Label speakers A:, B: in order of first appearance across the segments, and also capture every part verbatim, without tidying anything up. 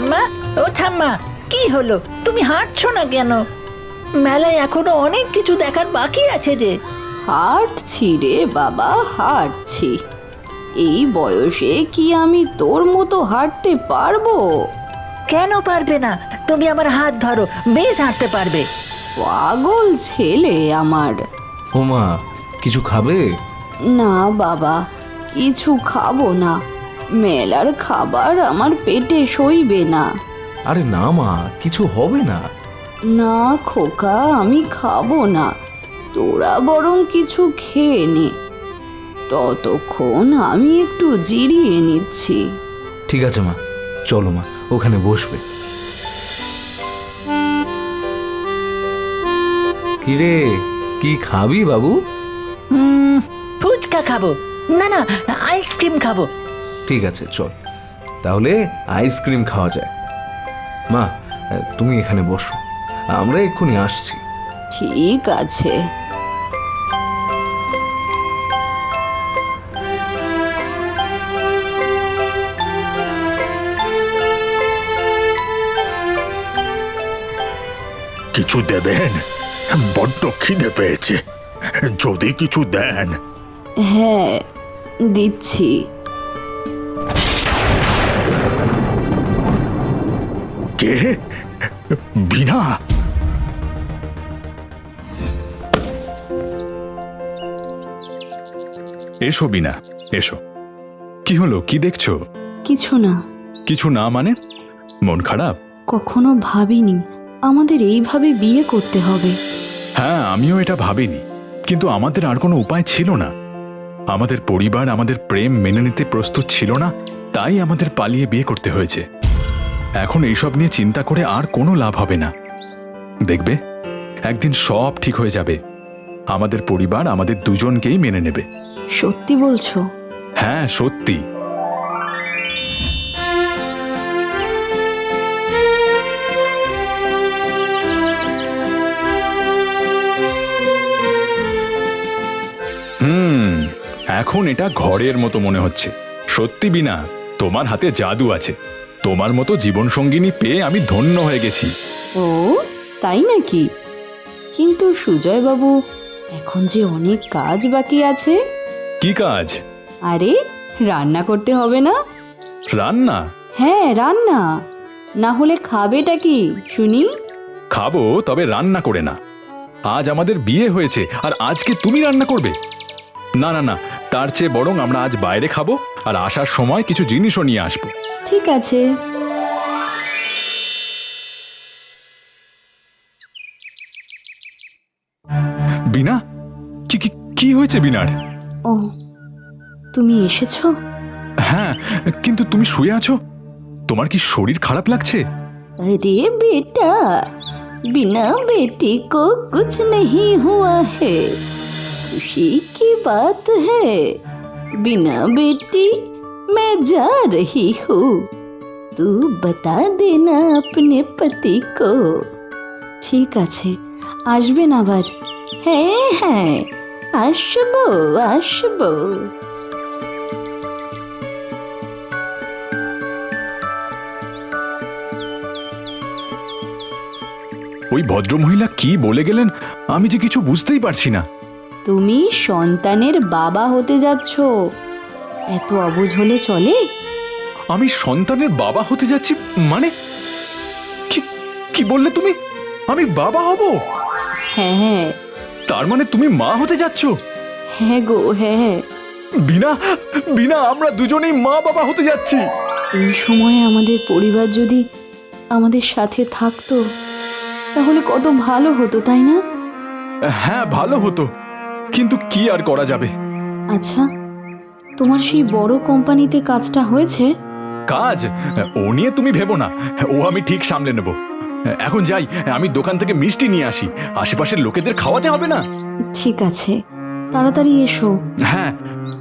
A: ঠাম্মা, ও ঠাম্মা, কি হলো? তুমি হাঁটছো না কেন? মেলায় এখনো অনেক কিছু দেখার বাকি আছে যে।
B: হাঁটছি রে বাবা, হাঁটছি। এই বয়সে কি আমি তোর মতো হাঁটতে পারবো?
A: কেন পারবে না? তুমি আমার হাত ধরো, বেশ হাঁটতে পারবে।
B: পাগল ছেলে আমার।
C: ওমা, কিছু খাবে?
B: না বাবা, কিছু খাবো না। মেলার খাবার আমার পেটে সইবে না।
C: আরে না মা, কিছু হবে না।
B: না খোকা, আমি খাবো না। তোরা বরং কিছু খেয়ে নে। ততক্ষণ আমি একটু জিরিয়ে নিচ্ছি।
C: ঠিক আছে মা, চলো মা, ওখানে বসবে। কিরে, কি খাবি বাবু?
A: হুম, ফুচকা খাবো। না না, আইসক্রিম খাবো।
C: ঠিক আছে, চল তাহলে আইসক্রিম খাওয়া যায়। মা, তুমি এখানে বসো, আমরা এক্ষুনি আসছি।
B: ঠিক আছে।
D: কিছু দেবেন? বড্ড খিদে পেয়েছে, যদি কিছু দেন।
B: হ্যাঁ, দিচ্ছি।
D: কে? বিনা? এসো বিনা, এসো। কি হলো, কি দেখছো?
B: কিছু না।
D: কিছু না মানে? মন খারাপ?
B: কখনো ভাবিনি আমাদের এইভাবে বিয়ে করতে হবে।
D: হ্যাঁ, আমিও এটা ভাবিনি, কিন্তু আমাদের আর কোনো উপায় ছিল না। আমাদের পরিবার আমাদের প্রেম মেনে নিতে প্রস্তুত ছিল না, তাই আমাদের পালিয়ে বিয়ে করতে হয়েছে। এখন এইসব নিয়ে চিন্তা করে আর কোনো লাভ হবে না। দেখবে, একদিন সব ঠিক হয়ে যাবে। আমাদের পরিবার আমাদের দুজনকেই মেনে নেবে।
B: সত্যি বলছো?
D: হ্যাঁ, সত্যি। হুম, এখন এটা ঘরের মতো মনে হচ্ছে। সত্যি বিনা, তোমার হাতে জাদু আছে। তোমার মতো জীবনসঙ্গিনী পেয়ে আমি ধন্য হয়ে গেছি।
B: ও তাই নাকি? কিন্তু সুজয় বাবু, এখন যে অনেক কাজ বাকি আছে।
D: কি কাজ?
B: আরে, রান্না করতে হবে না?
D: রান্না?
B: হ্যাঁ, রান্না। না হলে খাবেটা কি শুনি?
D: খাবো, তবে রান্না করে না। আজ আমাদের বিয়ে হয়েছে, আর আজকে তুমি রান্না করবে? না না না, তার চেয়ে বরং আমরা আজ বাইরে খাবো, আর আসার সময় কিছু জিনিসও নিয়ে আসবো।
B: ঠিক আছে।
D: বিনা, কি কি কি হয়েছে বিনার?
B: ও, তুমি এসেছো?
D: হ্যাঁ, কিন্তু তুমি শুয়ে আছো। তোমার কি শরীর খারাপ লাগছে?
B: अरे बेटा, बिना बेटी को कुछ नहीं हुआ है, खुशी की बात है। बिना बेटी मैं जा रही हूँ, तू बता देना अपने पति को। ঠিক আছে, আসবেন আবার। হ্যাঁ হ্যাঁ, আসবো আসবো।
D: ওই ভদ্রমহিলা কি বলে গেলেন, আমি যে কিছু বুঝতেই পারছি না।
B: তুমি সন্তানের বাবা হতে যাচ্ছ, এত অবুঝ হলে চলে?
D: আমি সন্তানের বাবা হতে যাচ্ছি মানে? কি কি বললে তুমি? আমি বাবা হব?
B: হ্যাঁ হ্যাঁ।
D: তার মানে তুমি মা হতে যাচ্ছ?
B: হ্যাঁ গো হ্যাঁ।
D: বিনা, বিনা, আমরা দুজনেই মা বাবা হতে যাচ্ছি।
B: এই সময়ে আমাদের পরিবার যদি আমাদের সাথে থাকতো, তাহলে কত ভালো হতো, তাই না?
D: হ্যাঁ, ভালো হতো, কিন্তু কি আর করা যাবে।
B: আচ্ছা, তোমার সেই বড় কোম্পানিতে কাজটা হয়েছে?
D: কাজ? ও নিয়ে তুমি ভেবো না, ও আমি ঠিক সামলে নেব। এখন যাই, আমি দোকান থেকে মিষ্টি নিয়ে আসি, আশেপাশের লোকেদের খাওয়াতে হবে না?
B: ঠিক আছে, তাড়াতাড়ি এসো।
D: হ্যাঁ।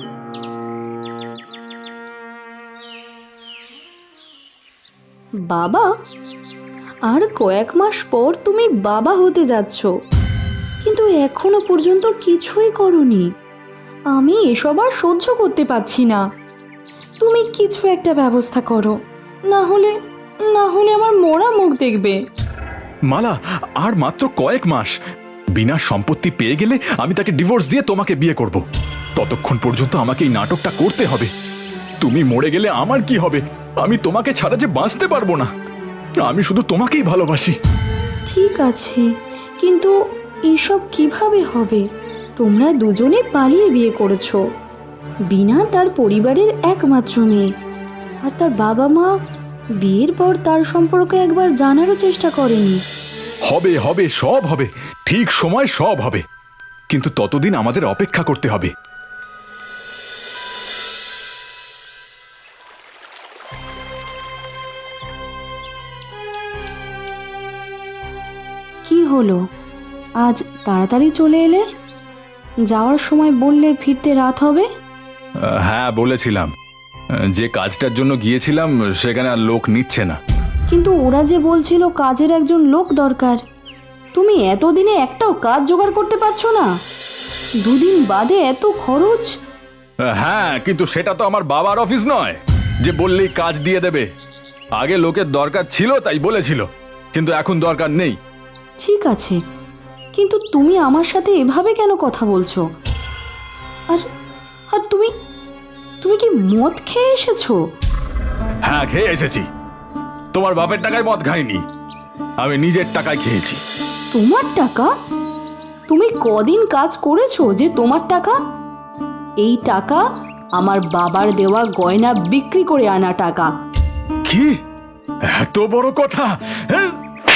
B: বাবা? আর কয়েক মাস পর তুমি বাবা হতে যাচ্ছ, কিন্তু এখনো পর্যন্ত কিছুই করনি। আমি এসব আর সহ্য করতে পারছি না। তুমি কিছু একটা ব্যবস্থা করো, না হলে না হলে আমার মোড়া মুখ দেখবে।
D: মালা, আর মাত্র কয়েক মাস। বিনার সম্পত্তি পেয়ে গেলে আমি তাকে ডিভোর্স দিয়ে তোমাকে বিয়ে করব। ততক্ষণ পর্যন্ত আমাকে এই নাটকটা করতে হবে। তুমি মরে গেলে আমার কি হবে? আমি তোমাকে ছাড়া যে বাঁচতে পারবো না। আমি শুধু তোমাকেই ভালোবাসি।
B: ঠিক আছে, কিন্তু এসব কিভাবে হবে? তোমরা দুজনে পালিয়ে বিয়ে করেছো। বিনা তার পরিবারের একমাত্র মেয়ে, আর তার বাবা মা বিয়ের পর তার সম্পর্কে একবার জানারও চেষ্টা করেনি।
D: হবে হবে, সব হবে, ঠিক সময় সব হবে। কিন্তু ততদিন আমাদের অপেক্ষা করতে হবে।
B: কি হলো, আজ তাড়াতাড়ি চলে এলে? যাওয়ার সময় বললে ফিরতে রাত হবে।
D: হ্যাঁ বলেছিলাম, যে কাজটার জন্য গিয়েছিলাম সেখানে আর লোক নিচ্ছে না।
B: কিন্তু ওরা যে বলছিল কাজের একজন লোক দরকার। তুমি এতদিনে একটাও কাজ জোগাড় করতে পারছো না? দুদিন বাদে এত খরচ।
D: হ্যাঁ, কিন্তু সেটা তো আমার বাবার অফিস নয় যে বললেই কাজ দিয়ে দেবে। আগে লোকের দরকার ছিল তাই বলেছিল, কিন্তু এখন দরকার নেই।
B: ঠিক আছে, কিন্তু তুমি আমার সাথে এভাবে কেন কথা বলছো? আর আর তুমি তুমি কি মদ খেয়ে এসেছো?
D: হ্যাঁ, খেয়ে এসেছি। তোমার বাপের টাকায় মদ খাইনি, আমি নিজের টাকায় খেয়েছি।
B: তোমার টাকা? তুমি কদিন কাজ করেছো যে তোমার টাকা? এই টাকা আমার বাবার দেওয়া গয়না বিক্রি করে আনা টাকা।
D: কি এত বড় কথা? হ্যাঁ?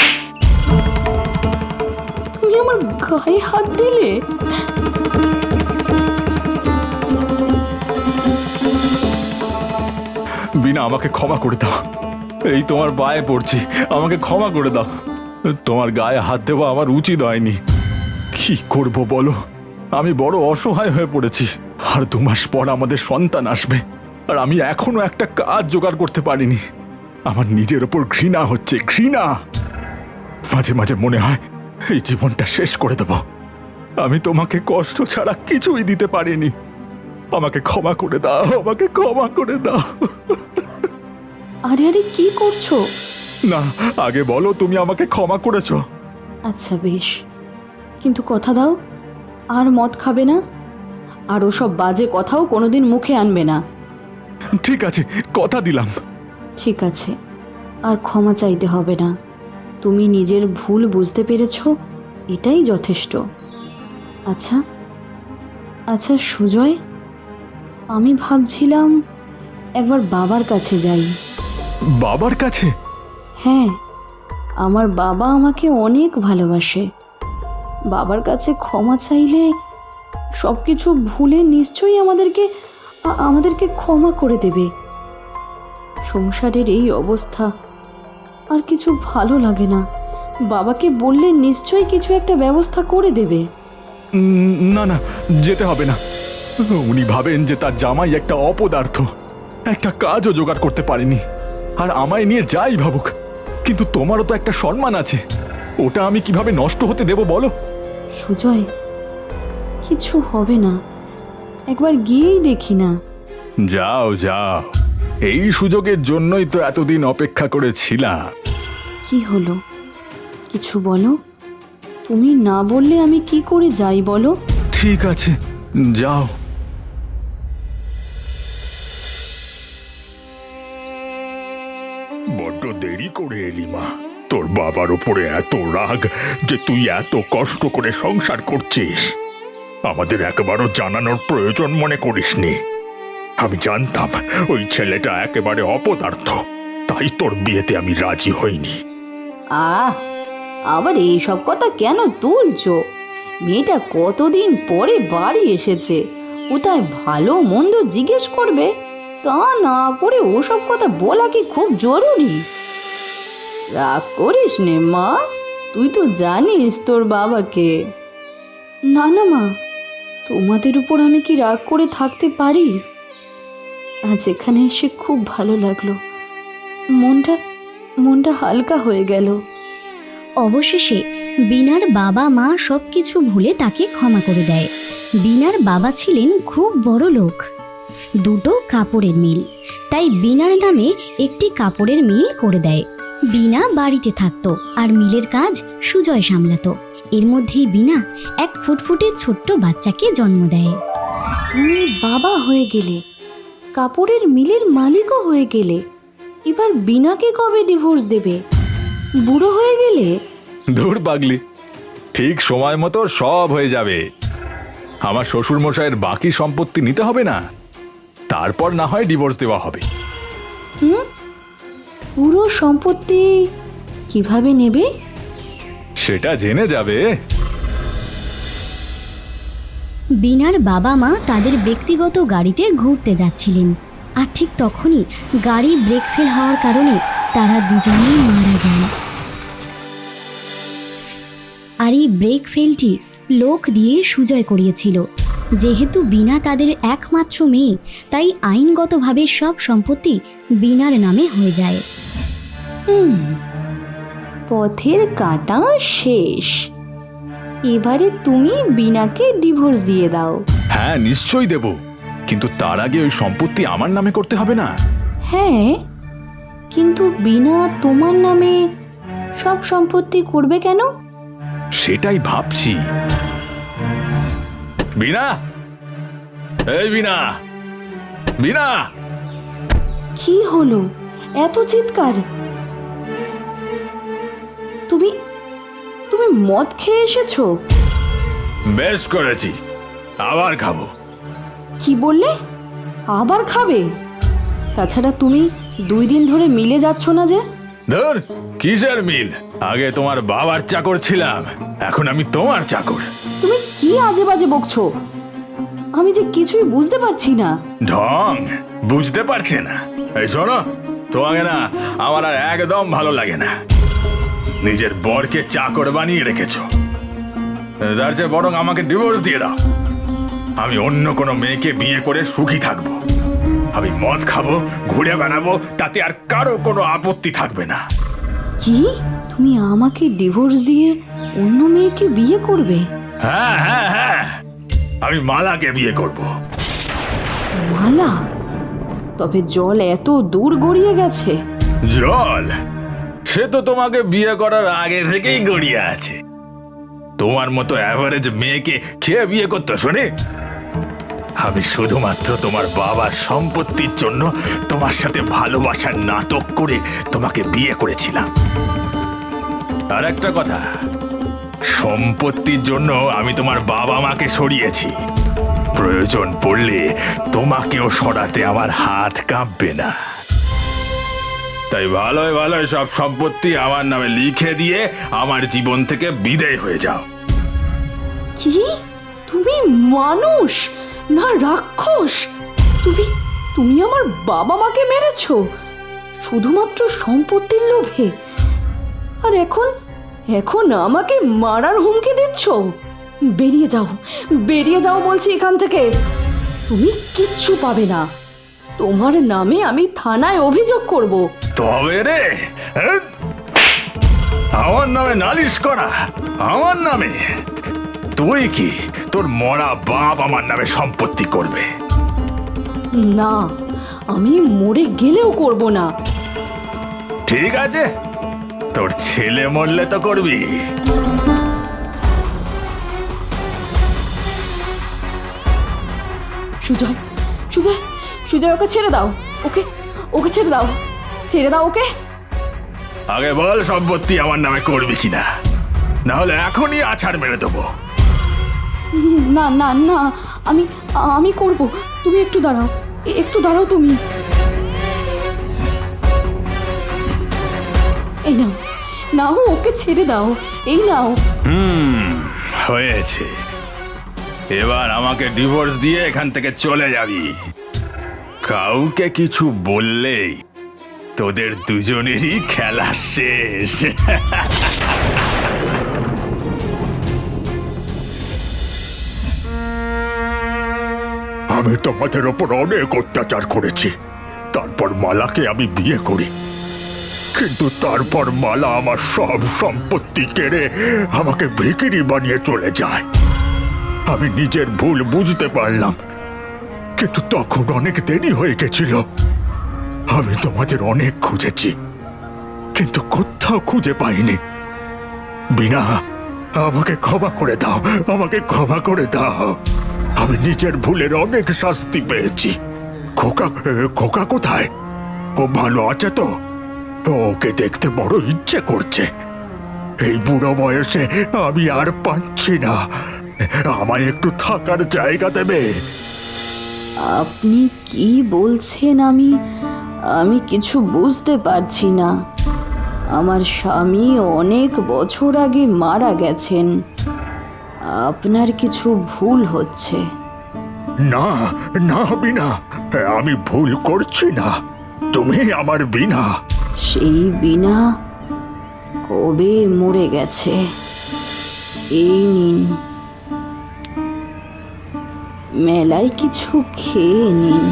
B: তুমি আমার গায়ে হাত দিলে।
D: বিনা, আমাকে ক্ষমা করে দাও। এই তোমার পায়ে পড়ছি, আমাকে ক্ষমা করে দাও। তোমার গায়ে হাত দেওয়া আমার উচিত হয়নি। কি করব বলো, আমি বড় অসহায় হয়ে পড়েছি। আর দু মাস পর আমাদের সন্তান আসবে, আর আমি এখনো একটা কাজ জোগাড় করতে পারিনি। আমার নিজের ওপর ঘৃণা হচ্ছে, ঘৃণা। মাঝে মাঝে মনে হয় এই জীবনটা শেষ করে দেব। আমি তোমাকে কষ্ট ছাড়া কিছুই দিতে পারিনি। আমাকে ক্ষমা করে দাও, আমাকে ক্ষমা করে দাও।
B: আরে আরে কি করছো?
D: না, আগে বলো তুমি আমাকে ক্ষমা করেছো।
B: আচ্ছা বেশ, কিন্তু কথা দাও আর মদ খাবে না, আর ওসব বাজে কথাও কোনোদিন মুখে আনবে না।
D: ঠিক আছে, কথা দিলাম।
B: ঠিক আছে, আর ক্ষমা চাইতে হবে না। তুমি নিজের ভুল বুঝতে পেরেছো, এটাই যথেষ্ট। আচ্ছা আচ্ছা সুজয়, আমি ভাবছিলাম একবার বাবার কাছে যাই।
D: বাবার কাছে?
B: হ্যাঁ, আমার বাবা আমাকে অনেক ভালোবাসে। বাবার কাছে ক্ষমা চাইলে সব কিছু ভুলে নিশ্চয়ই আমাদেরকে আ- আমাদেরকে ক্ষমা করে দেবে। সংসারের এই অবস্থা, আর কিছু ভালো লাগে না। বাবাকে বললে নিশ্চয়ই কিছু একটা ব্যবস্থা করে দেবে।
D: উম, না না, যেতে হবে না। উনি ভাবেন যে তার জামাই একটা অপদার্থ, একটা কাজও জোগাড় করতে পারেনি। আর আমায় নিয়ে যাই ভাবুক, কিন্তু তোমারও তো একটা সম্মান আছে, ওটা আমি কিভাবে নষ্ট হতে দেব বলো?
B: সুজয়, কিছু হবে না, একবার গিয়েই দেখি না।
D: যাও যাও, এই সুযোগের জন্যই তো এতদিন অপেক্ষা করেছিলাম।
B: কি হলো, কিছু বলো। তুমি না বললে আমি কি করে যাই বলো?
D: ঠিক আছে, যাও। বড্ড দেরি করে এলি মা। তোর বাবার উপরে এত রাগ যে তুই এত কষ্ট করে সংসার করছিস, আমাদের একবারও জানানোর প্রয়োজন মনে করিসনি। আমি জানতাম ওই ছেলেটা একেবারে অপদার্থ, তাই তোর বিয়েতে আমি রাজি হইনি।
B: আহ, আবার এইসব কথা কেন তুলছো? মেয়েটা কতদিন পরে বাড়ি এসেছে, কোথায় ভালো মন্দ জিজ্ঞেস করবে, তা না করে ওসব কথা বলা কি খুব জরুরি? রাগ করিস নে মা, তুই তো জানিস তোর বাবাকে। না না মা, তোমাদের উপর আমি কি রাগ করে থাকতে পারি? আজ এখানে এসে খুব ভালো লাগলো, মনটা মনটা হালকা হয়ে গেল।
E: অবশেষে বিনার বাবা মা সবকিছু ভুলে তাকে ক্ষমা করে দেয়। বিনার বাবা ছিলেন খুব বড় লোক, দুটো কাপড়ের মিল, তাই বিনার নামে একটি কাপড়ের মিল করে দেয়। বিনা বাড়িতে থাকতো আর মিলের কাজ সুজয় সামলাতো। এর মধ্যেই বিনা এক ফুটফুটে ছোট্ট বাচ্চাকে জন্ম দেয়।
B: তুমি বাবা হয়ে গেলে, কাপড়ের মিলের মালিকও হয়ে গেলে, এবার বিনাকে কবে ডিভোর্স দেবে? বুড়ো হয়ে গেলে?
D: ধুর পাগলি, ঠিক সময় মতো সব হয়ে যাবে। আমার শ্বশুর মশাইয়ের বাকি সম্পত্তি নিতে হবে না, তারপর না হয় ডিভোর্স দেওয়া হবে।
B: হুম, পুরো সম্পত্তি কিভাবে নেবে?
D: সেটা জেনে যাবে।
E: বিনার বাবা মা তাদের ব্যক্তিগত গাড়িতে ঘুরতে যাচ্ছিলেন, আর ঠিক তখনই গাড়ি ব্রেক ফেল হওয়ার কারণে তারা দুজনেই মারা যায়। আর এই ব্রেক ফেলটি লোক দিয়ে সুজয় করিয়েছিল। যেহেতু বিনা তাদের একমাত্র মেয়ে, তাই আইনগতভাবে সব সম্পত্তি বিনার নামে হয়ে যায়।
B: হুম, পথের কাঁটা শেষ। এবারে তুমি বিনাকে ডিভোর্স দিয়ে দাও।
D: হ্যাঁ, নিশ্চয়ই দেব, কিন্তু তার আগে ওই সম্পত্তি আমার নামে করতে হবে না?
B: হ্যাঁ, কিন্তু বিনা তোমার নামে সব সম্পত্তি করবে কেন?
D: সেটাই ভাবছি। বিনা, এই বিনা, বিনা!
B: কি হলো এত চিৎকার? তুমি তুমি মদ খেয়ে এসেছো?
D: বেশ করেছি, আবার খাবো।
B: কি বললে? আবার খাবে? তাছাড়া তুমি দুই দিন ধরে মিলে যাচ্ছ না যে?
D: ধর, কিসের মিল? আগে তোমার বাবার চাকর ছিলাম, এখন আমি তোমার চাকর।
B: তুমি কি আজে বাজে বকছো? আমি যে কিছুই বুঝতে পারছি না।
D: ঢং বুঝতে পারছে না? এই শোনো, তোমাকে না আমার আর একদম ভালো লাগে না। নিজের বরকে চাকর বানিয়ে রেখেছো, তার চেয়ে বরং আমাকে ডিভোর্স দিয়ে দাও। আমি অন্য কোনো মেয়েকে বিয়ে করে সুখী থাকবো। আমি মদ খাবো, ঘুরে বেড়াবো, তাতে আর কারো কোনো আপত্তি থাকবে না।
B: কি? তুমি আমাকে ডিভোর্স দিয়ে অন্য মেয়েকে বিয়ে করবে?
D: হ্যাঁ হ্যাঁ হ্যাঁ, আমি মালাকে বিয়ে করব।
B: মালা? তবে জল এত দূর গড়িয়ে গেছে।
D: জল? সে তো তোমাকে বিয়ে করার আগে থেকেই গড়িয়ে আছে। তোমার মতো অ্যাভারেজ মেয়েকে কে বিয়ে করতো শোনে? আমি শুধুমাত্র তোমার বাবার সম্পত্তির জন্য তোমার সাথে ভালোবাসার নাটক করে তোমাকে বিয়ে করেছিলাম। আর একটা কথা, সম্পত্তির জন্য আমি তোমার বাবা মাকে সরিয়েছি। প্রয়োজন পড়লে তোমাকেও সরাতে আমার হাত কাঁপবে না। তাই ভালোই ভালোই সব সম্পত্তি আমার নামে লিখে দিয়ে আমার জীবন থেকে বিদায় হয়ে যাও।
B: কি? তুমি মানুষ না রাক্ষস? তুমি তুমি আমার বাবা মাকে মেরেছো শুধুমাত্র সম্পত্তির লোভে, আর এখন এখন আমাকে মারার হুমকি দিচ্ছ? বেরিয়ে যাও, বেরিয়ে যাও বলছি এখান থেকে। তুমি কিচ্ছু পাবে না। তোমার নামে আমি থানায় অভিযোগ করব।
D: তবে রে, হ্যাঁ? আমার নামে নালিশ করা? আমার নামে? তুই কি তোর মরা বাপ আমার নামে সম্পত্তি করবে?
B: না, আমি মরে গেলেও করব না।
D: ঠিক আছে, তোর ছেলে মরলে তো করবি।
B: সুজয়, সুজয়, সুজয়, ওকে ছেড়ে দাও। ওকে ওকে ছেড়ে দাও, ছেড়ে দাও ওকে।
D: আগে বল সম্পত্তি আমার নামে করবি কিনা, না হলে এখনই আছাড় মেরে দেবো।
B: না না না, আমি আমি করব। তুমি একটু দাঁড়াও, এ- একটু দাঁড়াও তুমি। এই নাও, নাও, ওকে ছেড়ে দাও। এই নাও।
D: হুম, হয়েছে। এবার আমাকে ডিভোর্স দিয়ে এখান থেকে চলে যাবি। কাউকে কিছু বললেই তোদের দুজনেরই খেলা শেষ।
F: আমি তোমাদের ওপর অনেক অত্যাচার করেছি, তারপর মালাকে আমি বিয়ে করি, কিন্তু তারপর মালা আমার সব সম্পত্তি কেড়ে আমাকে ভিখিরি বানিয়ে চলে যায়। আমি নিজের ভুল বুঝতে পারলাম, কিন্তু তখন অনেক দেরি হয়ে গেছিল। আমি তোমাদের অনেক খুঁজেছি, কিন্তু কোথাও খুঁজে পাইনি। বিনা, আমাকে ক্ষমা করে দাও, আমাকে ক্ষমা করে দাও। আমি নিজের ভুলের অনেক শাস্তি পেয়েছি। খোকা খোকা কোথায়? ও ভালো আছে তো? ওকে দেখতে বড় ইচ্ছে করছে। এই বুড়ো বয়সে আমি আর পাচ্ছি না। আমায় একটু থাকার জায়গা দেবে?
B: আপনি কি বলছেন? আমি আমি কিছু বুঝতে পারছি না। আমার স্বামী অনেক বছর আগে মারা গেছেন। আপনার কিছু ভুল হচ্ছে।
F: না না বিনা, আমি ভুল করছি না। তুমি আমার বিনা।
B: সেই বিনা কবে মরে গেছে। এই নিন, মেলায় কিছু খেয়ে নিন।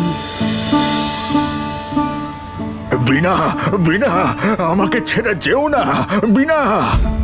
F: বিনা, বিনা, আমাকে ছেড়ে যেও না বিনা।